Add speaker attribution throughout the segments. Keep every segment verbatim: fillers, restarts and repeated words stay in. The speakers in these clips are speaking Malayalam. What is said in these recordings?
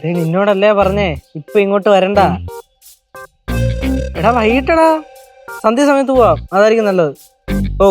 Speaker 1: നിന്നോടല്ലേ പറഞ്ഞേ ഇപ്പൊ ഇങ്ങോട്ട് വരണ്ട. എടാ വൈകിട്ടടാ, സന്ധ്യ സമയത്ത് പോവാം, അതായിരിക്കും നല്ലത്. ഓ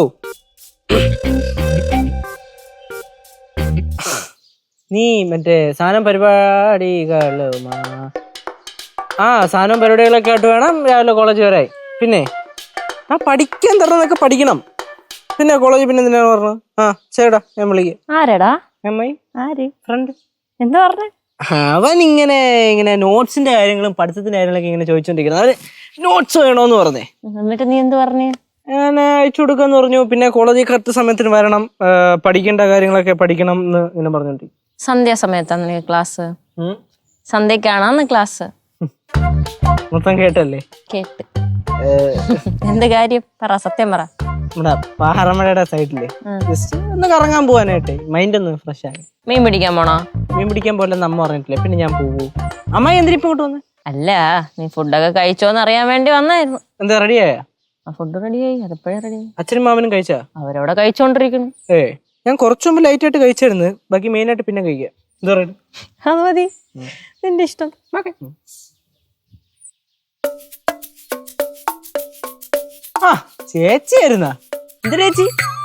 Speaker 1: നീ മറ്റേ സാധനം പരിപാടികള് ആ സാധനം പരിപാടികളൊക്കെ ആയിട്ട് വേണം രാവിലെ കോളേജ് വരായി. പിന്നെ ആ പഠിക്കാൻ തരണതൊക്കെ പഠിക്കണം. പിന്നെ കോളേജ് പിന്നെ എന്തിനാണ് പറഞ്ഞത്? ആ ചേടാ ഞാൻ വിളിക്കാം.
Speaker 2: ആരാടാ?
Speaker 1: അമ്മായി
Speaker 2: ആര്?
Speaker 1: ഫ്രണ്ട്.
Speaker 2: എന്താ പറഞ്ഞ?
Speaker 1: അവൻ ഇങ്ങനെ ഇങ്ങനെ നോട്ട്സിന്റെ കാര്യങ്ങളും പഠിത്തത്തിന്റെ കാര്യങ്ങളൊക്കെ ഇങ്ങനെ ചോദിച്ചോണ്ടിരിക്കുന്നത്. അവര് നോട്ട്സ് വേണോന്ന് പറഞ്ഞേ.
Speaker 2: എന്നിട്ട് നീ എന്ത് പറഞ്ഞു?
Speaker 1: ഞാൻ അയച്ചു കൊടുക്കാന്ന് പറഞ്ഞു. പിന്നെ കോളേജിൽ കറക്റ്റ് സമയത്തിന് വരണം, പഠിക്കേണ്ട കാര്യങ്ങളൊക്കെ പഠിക്കണം എന്ന് ഇങ്ങനെ പറഞ്ഞോണ്ടിരിക്കും.
Speaker 2: സന്ധ്യാസമയത്താണ് ക്ലാസ്? സന്ധ്യക്കാണാന്ന് ക്ലാസ്?
Speaker 1: മൊത്തം കേട്ടല്ലേ?
Speaker 2: കേട്ട്. എന്ത് കാര്യം പറ, സത്യം പറ.
Speaker 1: നമ്മുടെ പാറമഴയുടെ സൈഡില് ജസ്റ്റ് ഒന്ന് കറങ്ങാൻ പോവാനായിട്ടെ, മൈൻഡ് ഒന്ന് ഫ്രഷ് ആയി.
Speaker 2: മീൻ പിടിക്കാൻ പോണോ?
Speaker 1: മീൻ പിടിക്കാൻ പോലെന്ന് അമ്മ പറഞ്ഞിട്ടില്ലേ, പിന്നെ ഞാൻ പോവൂ. അമ്മായി എന്തിനാ ഇപ്പൊ ഇങ്ങോട്ട് വന്നേ?
Speaker 2: അല്ല, നീ ഫുഡൊക്കെ കഴിച്ചോന്ന് അറിയാൻ വേണ്ടി വന്നായിരുന്നു.
Speaker 1: എന്താ റെഡിയായ?
Speaker 2: ആ ഫുഡ് റെഡിയായി, അതെപ്പോഴേ റെഡിയായി.
Speaker 1: അച്ഛനും മാമനും കഴിച്ചാ?
Speaker 2: അവരവിടെ കഴിച്ചോണ്ടിരിക്കുന്നു.
Speaker 1: ഏ ഞാൻ കുറച്ചു മുമ്പ് ലൈറ്റ് ആയിട്ട് കഴിച്ചായിരുന്നു, ബാക്കി മെയിൻ ആയിട്ട് പിന്നെ കഴിക്കാം. എന്താ പറയുക?
Speaker 2: അത് മതി, നിന്റെ ഇഷ്ടം.
Speaker 1: ആ ചേച്ചിയായിരുന്നാ? എന്ത് ചേച്ചി?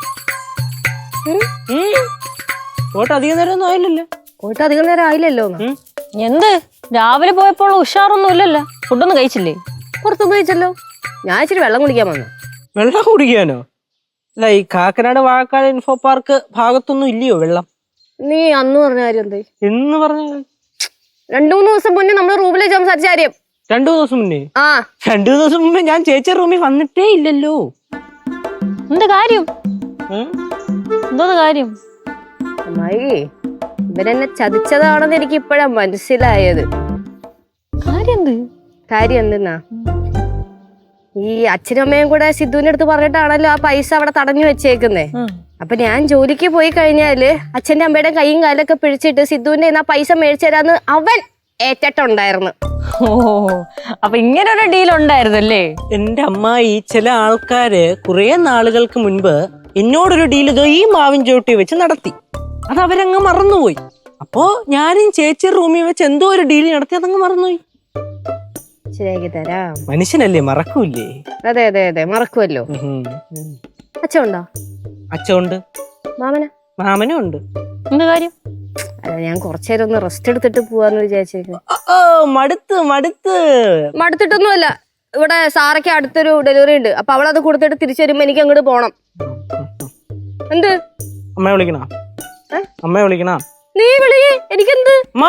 Speaker 1: പോയിട്ട് അധികം നേരം ഒന്നും ആയില്ലല്ലോ.
Speaker 3: പോയിട്ട് അധികം നേരം ആയില്ലല്ലോ.
Speaker 2: എന്ത് രാവിലെ പോയപ്പോൾ ഉഷാറൊന്നും ഇല്ലല്ലോ? ഫുഡൊന്നും കഴിച്ചില്ലേ?
Speaker 3: പുറത്തൊന്നും കഴിച്ചല്ലോ. ഞാൻ ഇച്ചിരി വെള്ളം കുടിക്കാൻ വന്നു.
Speaker 1: വെള്ളം കുടിക്കാനോ? അല്ല ഈ കാക്കനാട് വാഴക്കാട് ഇൻഫോ പാർക്ക് ഭാഗത്തൊന്നും ഇല്ലയോ വെള്ളം?
Speaker 3: നീ അന്ന് പറഞ്ഞ കാര്യം എന്താ?
Speaker 1: എന്ന് പറഞ്ഞ
Speaker 3: രണ്ടു മൂന്ന് ദിവസം മുന്നേ നമ്മുടെ റൂമിലേക്ക് സംസാരിച്ച കാര്യം.
Speaker 1: രണ്ടു ദിവസം മുന്നേ?
Speaker 3: ആ
Speaker 1: രണ്ടു ദിവസം മുമ്പേ ഞാൻ ചേച്ചി റൂമിൽ വന്നിട്ടേ ഇല്ലല്ലോ.
Speaker 2: എന്ത് കാര്യം? എന്തോ കാര്യം?
Speaker 3: അമ്മായി, ഇവരെന്നെ ചതിച്ചതാണെന്ന് എനിക്ക് ഇപ്പോഴാ മനസ്സിലായത്.
Speaker 2: കാര്യം എന്ത്?
Speaker 3: കാര്യം എന്തെന്നാ, ഈ അച്ഛനും അമ്മയും കൂടെ സിദ്ധുവിന്റെ അടുത്ത് പറഞ്ഞിട്ടാണല്ലോ ആ പൈസ അവിടെ തടഞ്ഞു വെച്ചേക്കുന്നേ. അപ്പൊ ഞാൻ ജോലിക്ക് പോയി കഴിഞ്ഞാല് അച്ഛന്റെ അമ്മയുടെ കൈയും കാലൊക്കെ പിടിച്ചിട്ട് സിദ്ധുവിന്റെ ആ പൈസ മേടിച്ചു തരാന്ന് അവൻ ഏറ്റിട്ടുണ്ടായിരുന്നു.
Speaker 2: ഓ, അപ്പൊ ഇങ്ങനെ ഒരു ഡീൽ ഉണ്ടായിരുന്നല്ലേ?
Speaker 1: എന്റെ അമ്മായി, ചില ആൾക്കാര് കുറെ നാളുകൾക്ക് മുൻപ് എന്നോടൊരു ഡീൽ ഇതോ ഈ മാവിൻ ചോട്ടി വെച്ച് നടത്തി. അത് അവരങ്ങ് മറന്നുപോയി. അപ്പോ ഞാനും ചേച്ചി റൂമിൽ വെച്ച് എന്തോ ഒരു ഡീൽ നടത്തി, അതങ്ങ് മറന്നുപോയി.
Speaker 3: ശരിയാക്കി തരാം.
Speaker 1: മനുഷ്യനല്ലേ, മറക്കൂലേ?
Speaker 3: അതെ അതെ അതെ, മറക്കുമല്ലോ. അച്ഛൻ ഉണ്ടോ?
Speaker 1: അച്ഛനുണ്ട്.
Speaker 3: മാമന?
Speaker 1: മാമനും ഉണ്ട്.
Speaker 2: എന്ത് കാര്യം?
Speaker 3: അല്ല, ഞാൻ കുറച്ചേരം ഒന്ന് റെസ്റ്റ് എടുത്തിട്ട് പോവാന്ന് വിചാരിച്ചേക്കും.
Speaker 1: മടുത്ത് മടുത്ത്
Speaker 3: മടുത്തിട്ടൊന്നുമല്ല. ഇവിടെ സാറയ്ക്ക് അടുത്തൊരു ഡെലിവറി ഉണ്ട്. അപ്പൊ അവളത് കൊടുത്തിട്ട് തിരിച്ചു വരുമ്പോ എനിക്ക് അങ്ങോട്ട് പോണം. എന്ത്?
Speaker 1: അമ്മയെ വിളിക്കണ? അമ്മയെ വിളിക്കണ?
Speaker 3: നീ വിളി, എനിക്കെന്ത്?
Speaker 1: മാ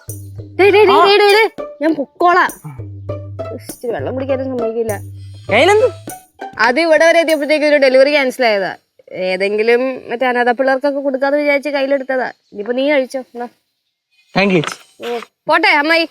Speaker 3: ഞാൻ പൊക്കോളാം. വെള്ളം കുടിക്കാനും സമ്മതിക്കില്ല. അത് ഇവിടെ വരെ എത്തിയപ്പോഴത്തേക്ക് ഒരു ഡെലിവറി ക്യാൻസൽ ആയതാ. ഏതെങ്കിലും മറ്റേ അനാഥ പിള്ളേർക്കൊക്കെ കൊടുക്കാന്ന് വിചാരിച്ച് കയ്യിലെടുത്തതാ. ഇനിയിപ്പോ നീ കഴിച്ചോ. പോട്ടെ അമ്മായി.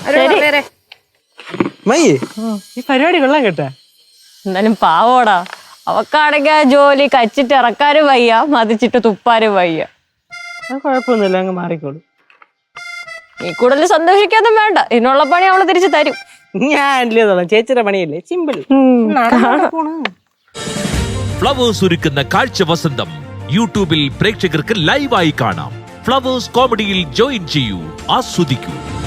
Speaker 1: ഈ പരിപാടി കൊള്ളാൻ കേട്ടാ.
Speaker 2: എന്നാലും പാവോടാ, അവക്കാണെങ്കിൽ ആ ജോലി കച്ചിട്ട് ഇറക്കാനും വയ്യ, മതിച്ചിട്ട് തുപ്പാനും വയ്യ.
Speaker 1: കുഴപ്പമൊന്നുമില്ല, അങ്ങ് മാറിക്കോളൂ.
Speaker 2: നീ കൂടുതൽ സന്തോഷിക്കാനും വേണ്ട, ഇതിനുള്ള പണി അവള് തിരിച്ചു തരും.
Speaker 1: ഞാൻ ചേച്ചിയുടെ പണിയല്ലേ, സിമ്പിൾ.
Speaker 4: ഫ്ലവേഴ്സ് ഒരുക്കുന്ന കാഴ്ച വസന്തം യൂട്യൂബിൽ പ്രേക്ഷകർക്ക് ലൈവായി കാണാം. ഫ്ലവേഴ്സ് കോമഡിയിൽ ജോയിൻ ചെയ്യൂ, ആസ്വദിക്കൂ.